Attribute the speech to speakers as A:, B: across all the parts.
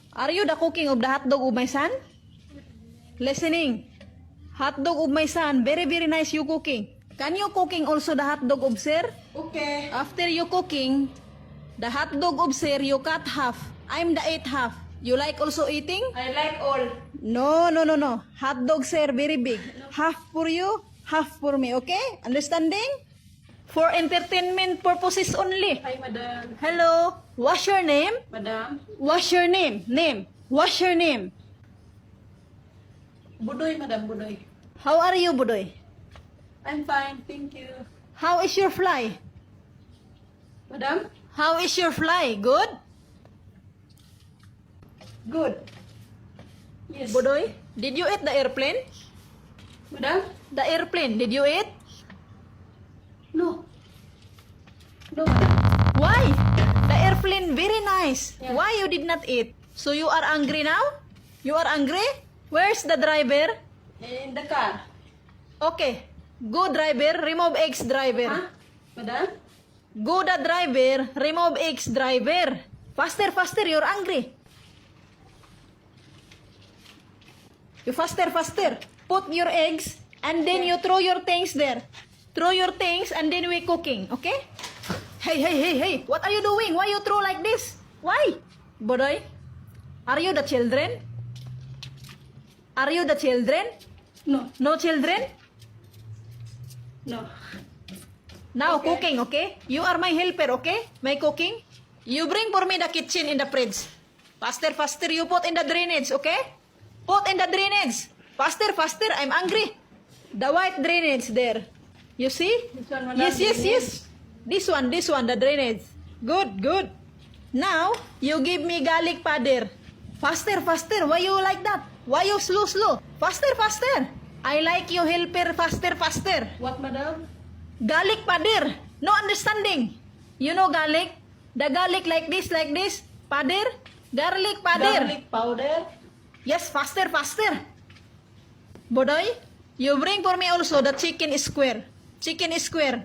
A: Are you the cooking of the hot dog of my son? Listening. Hot dog of my son. Very, very nice you cooking. Can you cooking also the hot dog of sir?
B: Okay.
A: After you cooking, the hot dog of sir, you cut half. I'm the eat half. You like also eating?
B: I like all.
A: No, no, no, no. Hot dog sir, very big. Half for you, half for me, okay? Understanding? For entertainment purposes only.
B: Hi, madam.
A: Hello. What's your name?
B: Madam.
A: What's your name? Name. What's your name?
B: Budoy, madam. Budoy.
A: How are you, Budoy?
B: I'm fine. Thank you.
A: How is your fly?
B: Madam?
A: How is your fly? Good?
B: Good. Yes.
A: Budoy, did you eat the airplane?
B: Madam?
A: The airplane, did you eat?
B: No. No, madam.
A: Why? The airplane very nice.
B: Yeah.
A: Why you did not eat? So you are angry now? You are angry? Where's the driver?
B: In the car.
A: Okay. Go driver, remove X driver.
B: Huh? Madam?
A: Go the driver, remove X driver. Faster, faster, you're angry. You faster, faster. Put your eggs and then you throw your things there. Throw your things and then we cooking, okay? Hey, hey, hey, hey. What are you doing? Why you throw like this? Why? Bodoy, are you the children? Are you the children?
B: No.
A: No children?
B: No.
A: Now
B: Okay.
A: cooking, okay? You are my helper, okay? My cooking. You bring for me the kitchen in the fridge. Faster, faster, you put in the drainage, okay? Put in the drainage. Faster, faster, I'm angry. The white drainage there. You see?
B: This one, madam.
A: Yes, yes,
B: Drainage.
A: yes. This one, the drainage. Good, good. Now, you give me garlic powder. Faster, faster. Why you like that? Why you slow, slow? Faster, faster. I like you helper, faster, faster.
B: What, madam?
A: Garlic powder. No understanding. You know garlic? The garlic like this, powder. Garlic powder.
B: Garlic powder.
A: Yes, faster, faster. Bodoy, you bring for me also the chicken square. Chicken square.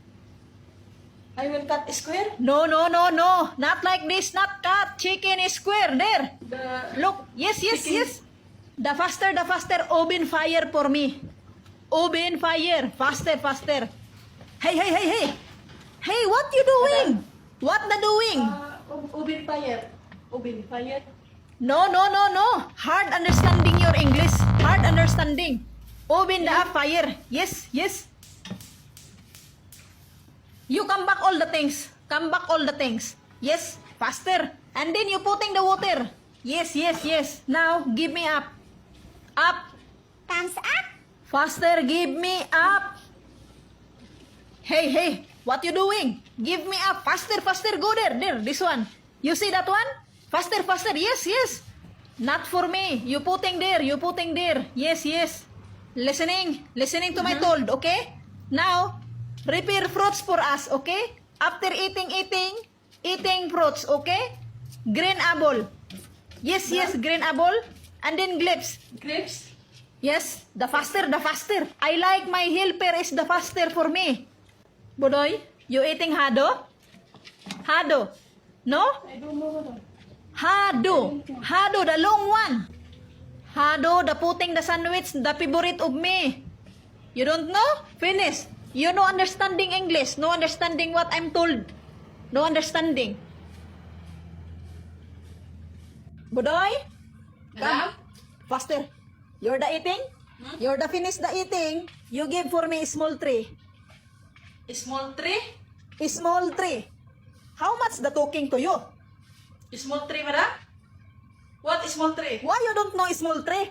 B: I will cut square.
A: No, no, no, no. Not like this, not cut. Chicken square. There.
B: The
A: Look. Yes, yes,
B: Chicken.
A: yes. The faster. Open fire for me. Open fire. Faster, faster. Hey, hey, hey, hey. Hey, what you doing? What the doing?
B: ubin fire. Ubin fire.
A: No, no, no, no. Hard understanding your English. Hard understanding. Open the fire. Yes, yes. You come back all the things. Come back all the things. Yes, faster. And then you putting the water. Yes, yes, yes. Now, give me up. Up.
C: Thumbs up.
A: Faster, give me up. Hey, hey. What you doing? Give me up. Faster, faster. Go there. There, this one. You see that one? Faster, faster. Yes, yes. Not for me. You putting there. You putting there. Yes, yes. Listening. Listening to my told, okay? Now, prepare fruits for us, okay? After eating fruits, okay? Green apple. Yes, yes, green apple. And then grapes.
B: Grapes.
A: Yes, the faster, the faster. I like my helper is the faster for me. Bodoy, you eating hado? Hado. No?
B: I don't know, madam.
A: Hado. Hado, the long one. Hado, the putting the sandwich, the favorite of me. You don't know? Finish. You no understanding English. No understanding what I'm told. No understanding. Bodoy,
B: Madam?
A: faster. You're the eating? You're the finish the eating. You give for me small tree.
B: Small tree.
A: Small tree. How much the talking to you?
B: Small tree, madam? What is small tree?
A: Why you don't know small tree?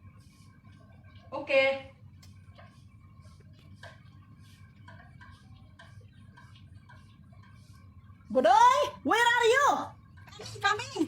B: Okay.
A: Bodoy, where are you?
C: Coming.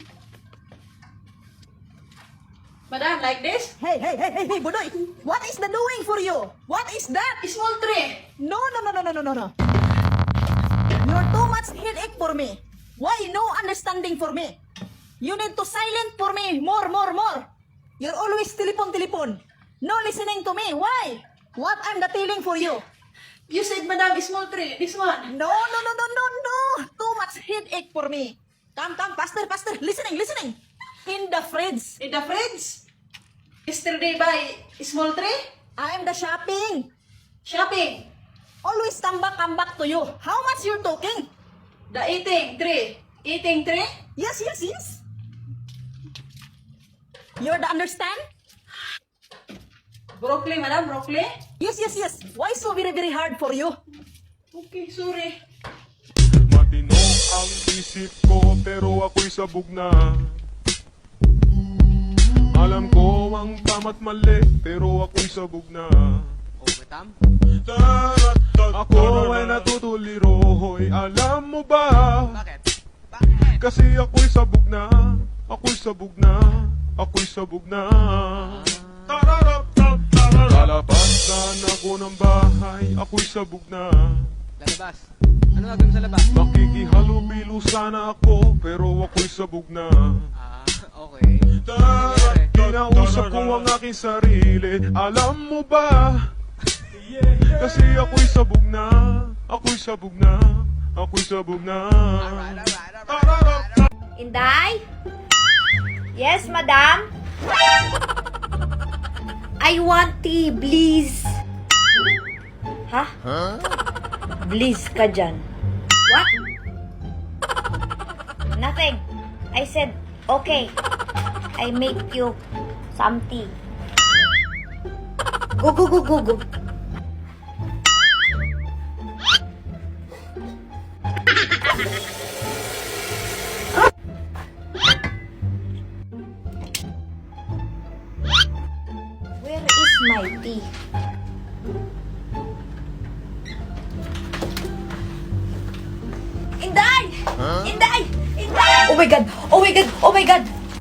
B: Madam, like this?
A: Hey, hey, hey, hey, hey, Bodoy. What is the doing for you? What is that?
B: Small tree.
A: No, no, no, no, no, no, no, no. You're too much headache for me. Why no understanding for me? You need to silent for me. More. You're always telephone. No listening to me. Why? What I'm the telling for you?
B: You said, madam, small tree. This one.
A: No. Too much headache for me. Come, faster. Listening. In fridge.
B: In the fridge? Yesterday buy small tray?
A: I am the shopping.
B: Shopping.
A: Always come back to you. How much you're talking?
B: The eating tray. Eating tray?
A: Yes, yes, yes. You're the understand?
B: Broccoli, madam, broccoli?
A: Yes, yes, yes. Why so very, very hard for you?
B: Okay, sorry.
D: Matino ang isip ko pero ako'y sabog na. Alam ko ang tama't mali pero ako'y sabog na. Ako ay natutuliro, hoy, alam mo ba? Kasi ako'y sabog na, ako'y sabog na, ako'y sabog na. Lalabasan ako ng bahay, ako'y sabog na.
E: Lalabas. Ano gagawin sa labas?
D: Makikihalo-bilo sana ako, pero ako'y sabog na.
E: Okay.
D: Kinausap ko ang aking sarili, alam mo ba? Kasi ako'y sabog na, ako'y sabog na, ako'y sabog na.
C: Inday? Yes, madam? I want tea, please. Ha? Please ka dyan. What? Nothing. I said, okay. I make you some tea. Go, go, go, go, go. Where is my tea? Inday! Inday! Inday! Oh my god! Oh my god! Oh my god!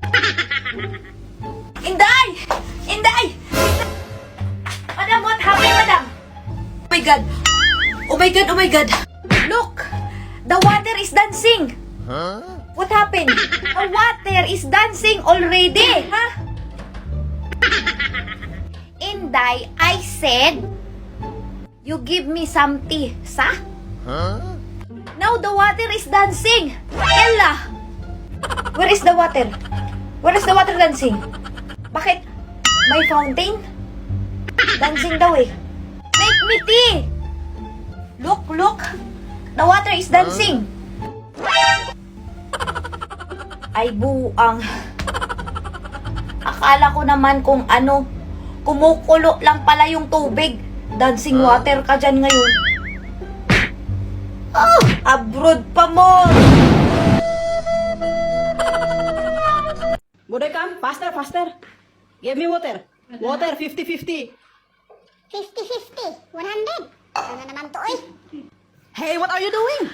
C: Inday! Inday! Madam, what happened, madam? Oh my god! Oh my god! Oh my god! Look! The water is dancing! What happened? The water is dancing already! Huh? Inday, I said, you give me some tea, sa? Now the water is dancing. Ella, where is the water? Where is the water dancing? Bakit? May fountain? Dancing daw eh. Make me tea. Look, look. The water is dancing. Ay buang. Akala ko naman kung ano, kumukulo lang pala yung tubig. Dancing water ka dyan ngayon. Oh, abroad pa mo.
A: Buday, come. Faster, faster. Give me water. Water, 50-50.
C: 50-50. 100. Ano naman to eh?
A: Hey, what are you doing?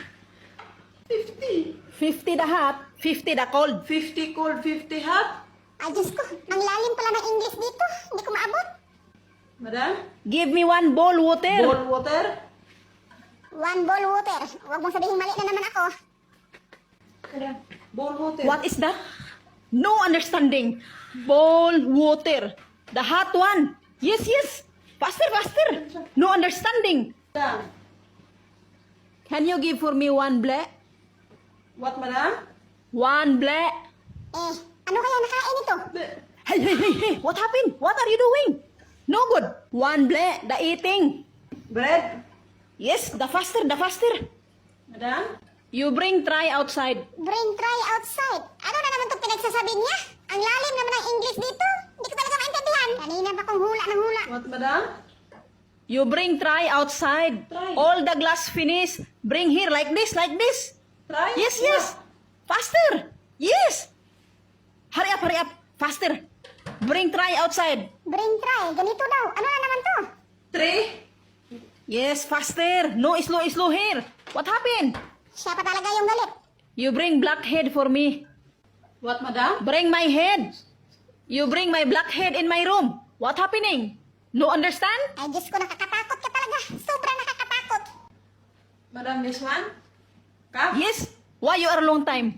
A: 50 the hot, 50 the cold.
B: 50 cold, 50 hot?
C: Ay, Diyos ko. Ang lalim pala ng English dito. Hindi ko maabot.
B: Madam?
A: Give me one bowl water.
B: Bowl water?
C: 1 bowl water. Huwag mong sabihin mali na naman ako.
B: Madam, bowl water.
A: What is that? No understanding. Bowl water. The hot one. Yes, yes. Faster, faster. No understanding.
B: Madam?
A: Can you give for me one black?
B: What, madam?
A: One black.
C: Eh, ano kaya nakain ito?
A: Hey, hey, hey, hey. What happened? What are you doing? No good. One black. The eating.
B: Bread?
A: Yes, the faster, the faster.
B: Madam?
A: You bring try outside.
C: Bring try outside. Ano na naman itong pinagsasabi niya? Ang lalim naman ng English dito. Hindi ko talaga maintindihan. Kanina pa kong hula ng hula.
B: What, madam?
A: You bring try outside.
B: Try.
A: All the glass finish. Bring here like this, like this.
B: Try?
A: Yes, yes. Faster. Yes. Hurry up. Faster. Bring try outside.
C: Bring try. Ganito daw. Ano na naman to?
B: 3?
A: Yes, faster. No slow here. What happened?
C: Siya pa talaga yung galit.
A: You bring black head for me.
B: What, madam?
A: Bring my head. You bring my black head in my room. What happening? No understand?
C: Ay, Diyos ko, nakakatakot ka talaga. Sobrang nakakatakot.
B: Madam, this one? Cup?
A: Yes. Why you are long time?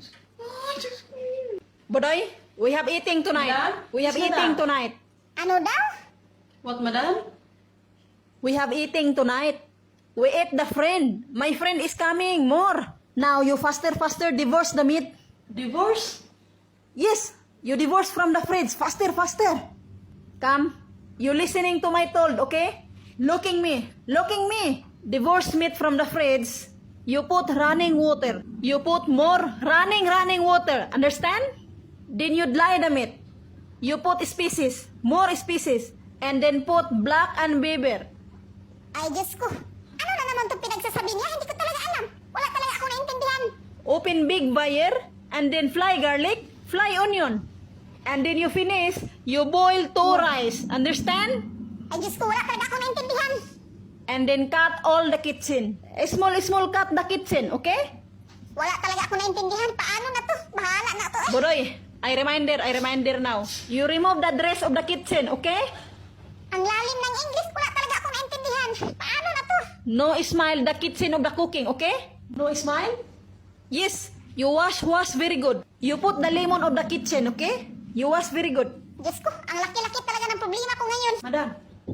A: Bodoy, we have eating tonight.
B: Madam?
A: We have
B: Madam?
A: eating tonight.
C: Ano daw?
B: What, madam?
A: We have eating tonight. We ate the friend. My friend is coming. More. Now you faster divorce the meat.
B: Divorce?
A: Yes. You divorce from the fridge. Faster, faster. Come. You listening to my told, okay? Looking me. Looking me. Divorce meat from the fridge. You put running water. You put more running water. Understand? Then you dry the meat. You put species. More species. And then put black and pepper.
F: Ay, Diyos ko. Ano na naman itong pinagsasabi niya? Hindi ko talaga alam. Wala talaga ako naintindihan.
A: Open big fire. And then fry garlic. Fry onion. And then you finish. You boil 2 rice. Understand?
F: Ay, Diyos ko, wala talaga ako naintindihan.
A: And then cut all the kitchen. Small cut the kitchen, okay?
F: Wala talaga ako naintindihan. Paano na to? Bahala na to eh.
A: Bodoy, I reminder now. You remove the dress of the kitchen, okay?
F: Ang lalim ng English, wala talaga ako naintindihan. Paano na to?
A: No smile the kitchen of the cooking, okay? No smile? Yes, you wash very good. You put the lemon of the kitchen, okay? You wash very good.
F: Diyos ko, ang laki-laki talaga ng problema ko ngayon.
A: Madam.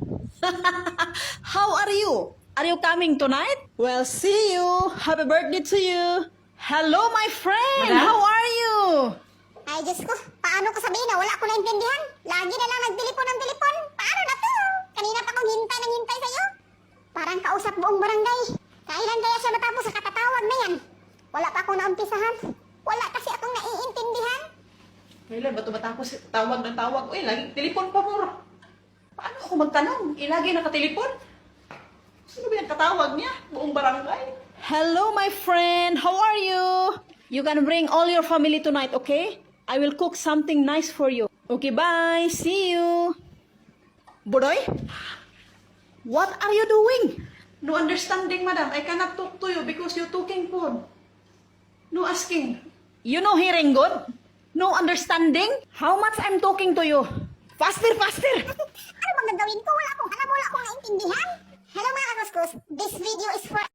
A: How are you? Are you coming tonight? Well, see you. Happy birthday to you. Hello, my friend.
B: Madam?
A: How are you?
F: Ay, Diyos ko, paano ko sabihin na wala ako naintindihan? Lagi na lang nagtelepon ng telepon. Paano na to? Kanina pa akong hintay sa'yo. Parang kausap buong barangay. Kailan kaya siya matapos sa katatawag na yan? Wala pa akong naumpisahan. Wala kasi akong naiintindihan.
B: Kailan ba ito matapos? Tawag ng tawag. Uy, lagi telepon pa mo. Paano ako magtanong? Ilagi nakatelepon? Sino ba yung katawag niya? Buong barangay.
A: Hello, my friend. How are you? You can bring all your family tonight, okay? I will cook something nice for you. Okay, bye. See you. Bodoy? What are you doing?
B: No understanding, madam. I cannot talk to you because you're talking phone. No asking.
A: You know hearing good? No understanding? How much I'm talking to you? Faster, faster.
F: Ano bang gagawin ko? Wala akong alam, wala akong naintindihan. Hello mga kakuskus, this video is for